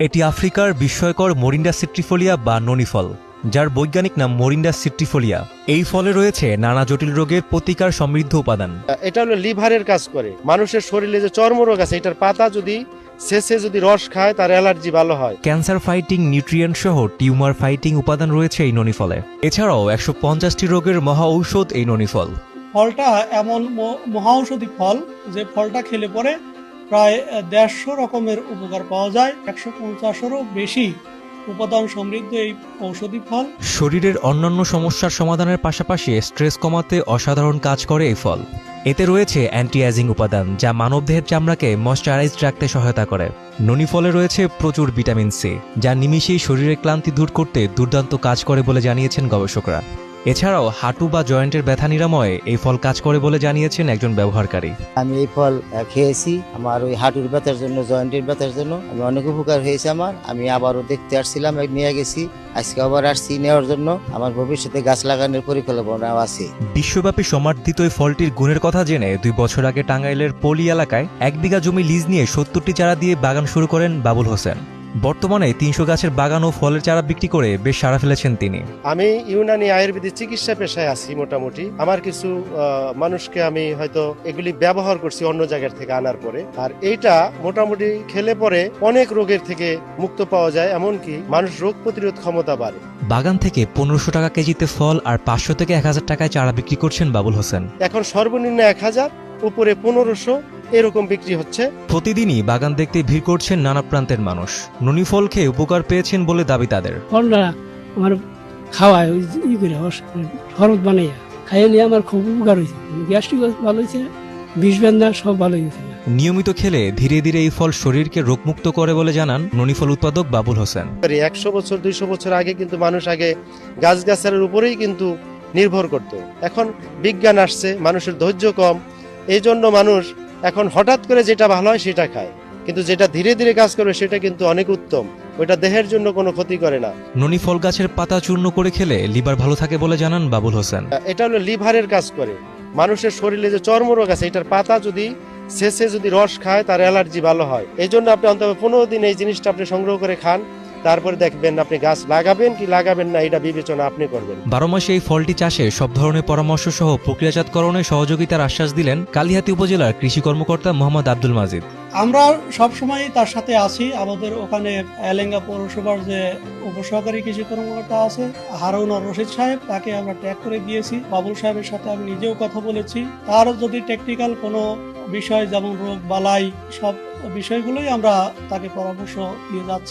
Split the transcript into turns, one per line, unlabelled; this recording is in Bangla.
এটি আফ্রিকার বিস্ময়কর মোরিন্ডা সিট্রিফোলিয়া বা ননি ফল, যার বৈজ্ঞানিক নাম মোরিন্ডা সিট্রিফোলিয়া। এই ফলে রয়েছে নানা জটিল রোগের প্রতিকার সমৃদ্ধ উপাদান।
এটা হলো লিভারের কাজ করে। মানুষের শরীরে যে চর্মরোগ আছে, এটার পাতা যদি শেষে যদি রস খায় তার অ্যালার্জি ভালো হয়।
ক্যান্সার ফাইটিং নিউট্রিয়েন্ট সহ টিউমার ফাইটিং উপাদান রয়েছে এই ননি ফলে। এছাড়াও ১৫০টি রোগের মহা ঔষধ এই ননি ফল।
ফলটা এমন মহা ঔষধি ফল যে ফলটা খেলে পরে প্রায় ১৫০ রকমের উপকার পাওয়া যায়। ১৫০-এরও বেশি উপাদান সমৃদ্ধ এই ঔষধি ফল
শরীরের অন্যান্য সমস্যার সমাধানের পাশাপাশি স্ট্রেস কমাতে অসাধারণ কাজ করে এই ফল। এতে রয়েছে অ্যান্টি এজিং উপাদান, যা মানবদেহের চামড়াকে ময়েশ্চারাইজড রাখতে সহায়তা করে। ননি ফলে রয়েছে প্রচুর ভিটামিন সি, যা নিমিষেই শরীরের ক্লান্তি দূর করতে দুর্দান্ত কাজ করে বলে জানিয়েছেন গবেষকরা। এছাড়াও হাঁটু বা জয়েন্টের ব্যথা নিরাময়ে এই ফল কাজ করে বলে জানিয়েছেন একজন ব্যবহারকারী।
আমি এই ফল খেয়েছি, আমার ওই হাঁটুর ব্যথার জন্য, জয়েন্টের ব্যথার জন্য আমি অনেক উপকার হয়েছে আমার। আমি আবারও দেখতে আসছিলাম, নিয়ে গেছি, আজকে আবার আসছি নেওয়ার জন্য। আমার ভবিষ্যতে গাছ লাগানোর পরিকল্পনা আছে।
বিশ্বব্যাপী সমাদৃত এই ফলটির গুণের কথা জেনে ২ বছর আগে টাঙ্গাইলের পলি এলাকায় ১ বিঘা জমি লিজ নিয়ে ৭০টি চারা দিয়ে বাগান শুরু করেন বাবুল হোসেন। বর্তমানে ৩০০ গাছের বাগান ও ফলের চারা বিক্রি করে বেশ সাড়া ফেলেছেন তিনি।
আমি ইউনানি আয়ুর্বেদিক চিকিৎসা পেশায় আছি মোটামুটি। আমার কিছু মানুষকে আমি হয়তো এগুলি ব্যবহার করছি অন্য জায়গার থেকে আনার পরে, আর এইটা মোটামুটি খেলে পরে অনেক রোগের থেকে মুক্ত পাওয়া যায়, এমনকি মানুষ রোগ প্রতিরোধ ক্ষমতা বাড়ে।
বাগান থেকে ১৫০০ টাকা কেজিতে ফল আর ৫০০ থেকে ১০০০ টাকায় চারা বিক্রি করছেন বাবুল হোসেন।
এখন সর্বনিম্ন ১০০০, উপরে ১৫০০ এরকম বিক্রি হচ্ছে।
প্রতিদিনই বাগান দেখতে ভিড় করছেন নানা প্রান্তের মানুষ। ননি ফল খেয়ে উপকার পেয়েছেন বলে দাবি তাদের।
ফলটা আমার খাওয়ায় ই করে শরবত বানাইয়া খাইয়ে নিয়ে আমার খুব উপকার হয়েছে। গ্যাস্ট্রিক ভালো হয়েছে, বিষ বেদনা সব ভালো হয়েছে।
নিয়মিত খেলে ধীরে ধীরে এই ফল শরীরকে রোগমুক্ত করে বলে জানান ননি ফল উৎপাদক বাবুল হোসেন।
১০০ বছর ২০০ বছর আগে কিন্তু মানুষ আগে গাছগাছালির উপরেই কিন্তু নির্ভর করত। এখন বিজ্ঞান আসছে, মানুষের ধৈর্য কম, এই জন্য মানুষ এখন হঠাৎ করে যেটা ভালো হয় সেটা খায়, কিন্তু যেটা ধীরে ধীরে কাজ করবে সেটা কিন্তু অনেক উত্তম, ওইটা দেহের জন্য কোনো ক্ষতি করে না।
ননি ফল গাছের পাতা চূর্ণ করে খেলে লিভার ভালো থাকে বলে জানান বাবুল হোসেন।
এটা হলো লিভারের কাজ করে। মানুষের শরীরে যে চর্মরোগ আছে, এটার পাতা যদি শেষে যদি রস খায় তার অ্যালার্জি ভালো হয়। এই জন্য আপনি অন্তত ১৫ দিন এই জিনিসটা আপনি সংগ্রহ করে খান, তারপরে দেখবেন আপনি গাছ লাগাবেন কি লাগাবেন না, এটা বিবেচনা আপনি করবেন।
১২ মাসে এই ফলটি চাষে সব ধরনের পরামর্শ সহ প্রক্রিয়াজাতকরণে সহযোগিতার আশ্বাস দিলেন কালিহাতী উপজেলার কৃষি কর্মকর্তা মোহাম্মদ আব্দুল মাজেদ।
আমরা সবসময় তার সাথে আছি। আমাদের ওখানে এলেঙ্গা পৌরসভার যে উপসহকারী কৃষি কর্মকর্তা আছে হারুন আর রশিদ সাহেব, তাকে আমরা ট্যাগ করে দিয়েছি। বাবুল সাহেবের সাথে আমি নিজেও কথা বলেছি। তার যদি টেকনিক্যাল কোনো বিষয় যেমন রোগ বালাই, সব বিষয়গুলোই আমরা তাকে পরামর্শ দিয়ে যাচ্ছি।